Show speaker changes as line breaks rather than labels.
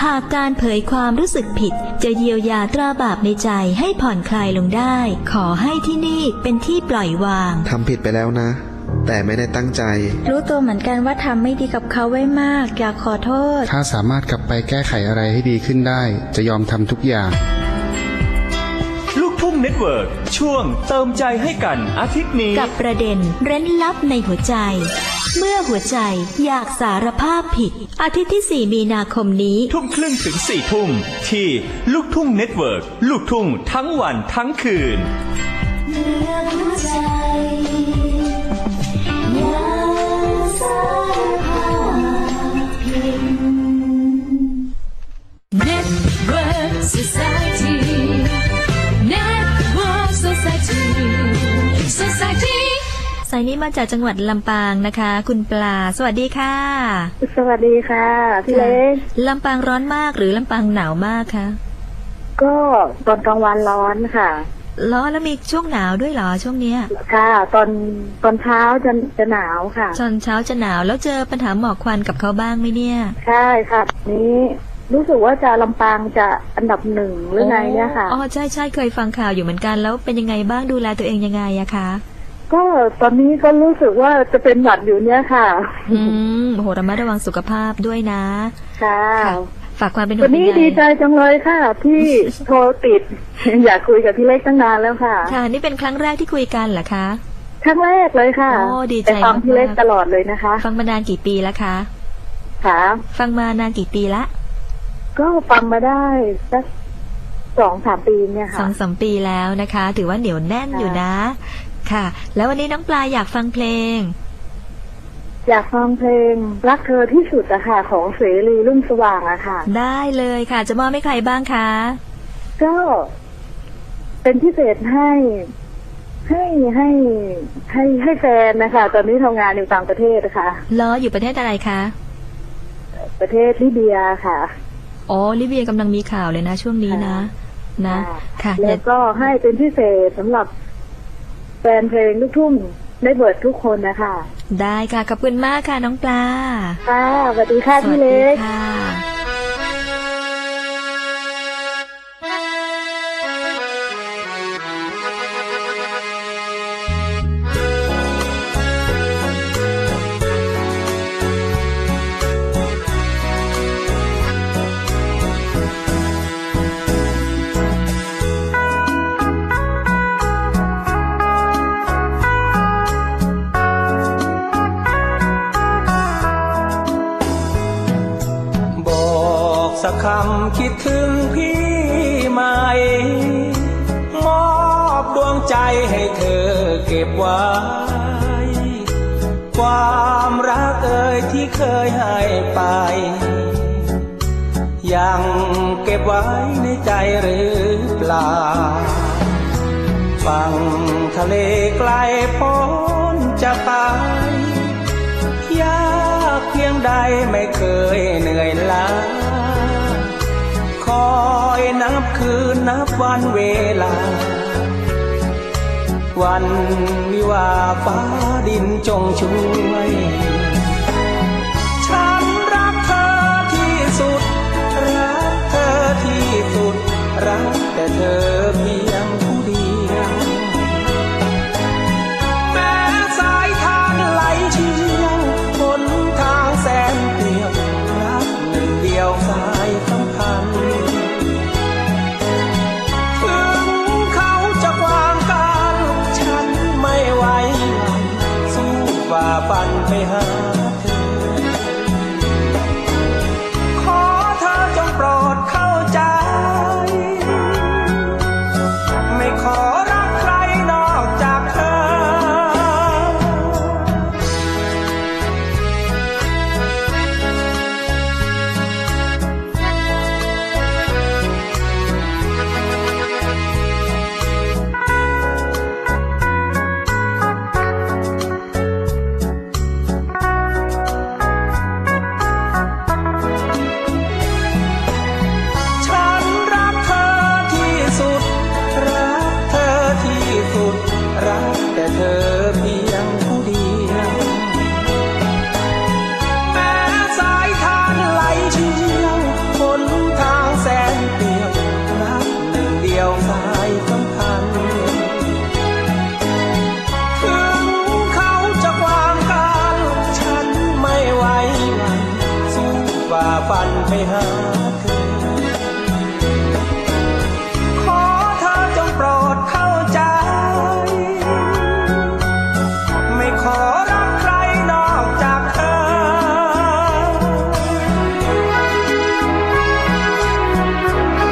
ากการเผยความรู้สึกผิดจะเยียวยาตราบาปในใจให้ผ่อนคลายลงได้ขอให้ที่นี่เป็นที่ปล่อยวาง
ทำผิดไปแล้วนะแต่ไม่ได้ตั้งใจ
รู้ตัวเหมือนกันว่าทำไม่ดีกับเขาไว้มากอยากขอโทษ
ถ้าสามารถกลับไปแก้ไขอะไรให้ดีขึ้นได้จะยอมทำทุกอย่าง
ลูกทุ่งเน็ตเวิร์กช่วงเติมใจให้กันอาทิตย์นี้
กับประเด็นเร้นลับในหัวใจเมื่อหัวใจอยากสารภาพผิดอาทิตย์ที่ 4 มีนาคมนี้
ทุ่มครึ่งถึง 4 ทุ่มที่ลูกทุ่งเน็ตเวิร์กลูกทุ่งทั้งวันทั้งคืน
เมื่อหัวใจอยากสารภาพผิด
Network Society Network Society Society
สายนี้มาจากจังหวัดลำปางนะคะคุณปลาสวัสดีค่ะ
สวัสดีค่ะพี่เล็ก
ลำปางร้อนมากหรือลำปางหนาวมากคะ
ก็ตอนกลางวันร้อนค่ะ
ร้อนแล้วมีช่วงหนาวด้วยเหรอช่วงเนี้ย
ค่ะตอนเช้าจะหนาวค่ะ
ตอนเช้าจะหนาวแล้วเจอปัญหาหมอกควันกับเขาบ้างไหมเนี่ย
ใช่ค่ะนี้รู้สึกว่าจะลำปางจะอันดับ1หรือไงเนี่ยค่ะ
อ๋อใช่เคยฟังข่าวอยู่เหมือนกันแล้วเป็นยังไงบ้างดูแลตัวเองยังไงอะคะ
ก็ตอนนี้ก็รู้สึกว่าจะเป็นหวัดอยู่เนี่ยค่ะ
โหระมัดระวังสุขภาพด้วยนะ
ค่ะ
ฝากความเป็นห่วง
วันนี้ดีใจจังเลยค่ะที่โทรติดอยากคุยกับพี่เล็กตั้งนานแล้วค่ะ
ค่ะนี่เป็นครั้งแรกที่คุยกันเหรอคะ
ครั้งแรกเลยค่ะ
โอ้ดีใจ
ฟังพี่เล็กตลอดเลยนะคะ
ฟังมานานกี่ปีแล้วคะ
ค่ะ
ฟังมานานกี่ปีละ
ก็ฟังมาได้สัก2-3 ปีเนี่ยค่ะ
2-3 ปีแล้วนะคะถือว่าเหนียวแน่นอยู่นะค่ะแล้ววันนี้น้องปลาอยากฟังเพลง
อยากฟังเพลงรักเธอที่สุดอะค่ะของเสรีรุ่งสว่างอะค่ะ
ได้เลยค่ะจะมอบให้ใครบ้างคะ
ก็เป็นพิเศษให้แฟนนะคะตอนนี้ทำงานอยู่ต่างประเทศนะคะ
อยู่ประเทศอะไรคะ
ประเทศลิเบียค่ะ
อ๋อลิเบียกำลังมีข่าวเลยนะช่วงนี้นะค่ะ
แล้วก็ให้เป็นพิเศษสำหรับแฟนเพลงลูกทุ่งได้เบิดทุกคนนะคะ
ได้ค่ะขอบคุณมากค่ะน้องปลา
ค่ะสวัสดีค่ะพี่เล็ก
สักคำคิดถึงพี่ไหมมอบดวงใจให้เธอเก็บไว้ความรักเอ่ยที่เคยให้ไปยังเก็บไว้ในใจหรือเปล่าฝั่งทะเลไกลพ้นจะไปยากเพียงใดไม่เคยเหนื่อยล้าคอยนับคืนนับวันเวลาวันวิวาฟ้าดินจงช่วยฉันรักเธอที่สุดรักเธอที่สุดรักแต่เธอเพียงผู้เดียวแม้สายทางไหลเชี่ยวหนทางแสนเปลี่ยวรักหนึ่งเดียวสายสัมพันธ์ถึงเขาจะวางกันฉันไม่ไหวสู้ฝ่าฟันไปหาฝันไปหาเธอ